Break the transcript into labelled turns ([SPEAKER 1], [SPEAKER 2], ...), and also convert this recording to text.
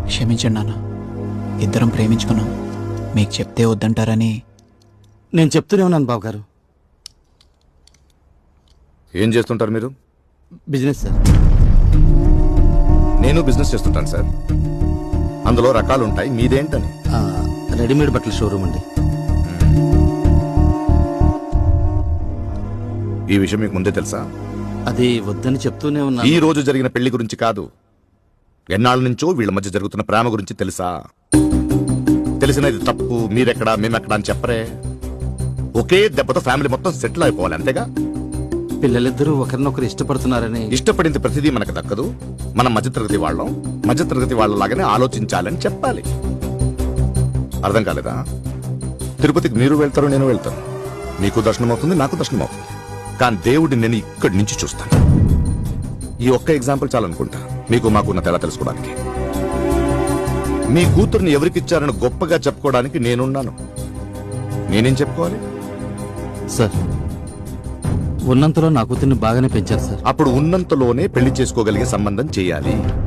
[SPEAKER 1] క్షమించండి నాన్న. ఇద్దరం ప్రేమించుకున్నాం. మీకు చెప్తే వద్దంటారని.
[SPEAKER 2] నేను చెప్తూనే ఉన్నాను బావగారు.
[SPEAKER 3] ఏం చేస్తుంటారు మీరు?
[SPEAKER 2] Business sir.
[SPEAKER 3] నేను బిజినెస్ చేస్తుంటాను సార్. అందులో రకాలు ఉంటాయి. మీదేంటని?
[SPEAKER 2] రెడీమేడ్ బట్టల షోరూమ్ అండి.
[SPEAKER 3] ఈ విషయం మీకు ముందే తెలుసా?
[SPEAKER 2] అది వద్దని చెప్తూనే ఉన్నా.
[SPEAKER 3] ఈ రోజు జరిగిన పెళ్లి గురించి కాదు, ఎన్నాళ్ళ నుంచో వీళ్ళ మధ్య జరుగుతున్న ప్రేమ గురించి తెలుసా? తెలిసిన ఇది తప్పు, మీరెక్కడా మేమెక్కడా అని చెప్పరే. ఒకే దెబ్బతో ఫ్యామిలీ మొత్తం సెటిల్ అయిపోవాలి, అంతేగా?
[SPEAKER 2] పిల్లలిద్దరూ ఒకరినొకరు ఇష్టపడుతున్నారని.
[SPEAKER 3] ఇష్టపడింది ప్రతిదీ మనకు దక్కదు. మనం మధ్యతరగతి వాళ్ళం, మధ్యతరగతి వాళ్ళలాగానే ఆలోచించాలని చెప్పాలి. అర్థం కాలేదా? తిరుపతికి మీరు వెళ్తారు, నేను వెళ్తాను. మీకు దర్శనం అవుతుంది, నాకు దర్శనం అవుతుంది. కానీ దేవుడిని నేను ఇక్కడి నుంచి చూస్తాను. ఈ ఒక్క ఎగ్జాంపుల్ చాలనుకుంటా మీకు మాకున్న తేడా తెలుసుకోవడానికి. మీ కూతుర్ని ఎవరికిచ్చారని గొప్పగా చెప్పుకోవడానికి నేనున్నాను. నేనేం చెప్పుకోవాలి
[SPEAKER 2] సార్? ఉన్నంతలో నా కూతుర్ని బాగానే పెంచారు సార్.
[SPEAKER 3] అప్పుడు ఉన్నంతలోనే పెళ్లి చేసుకోగలిగే సంబంధం చేయాలి.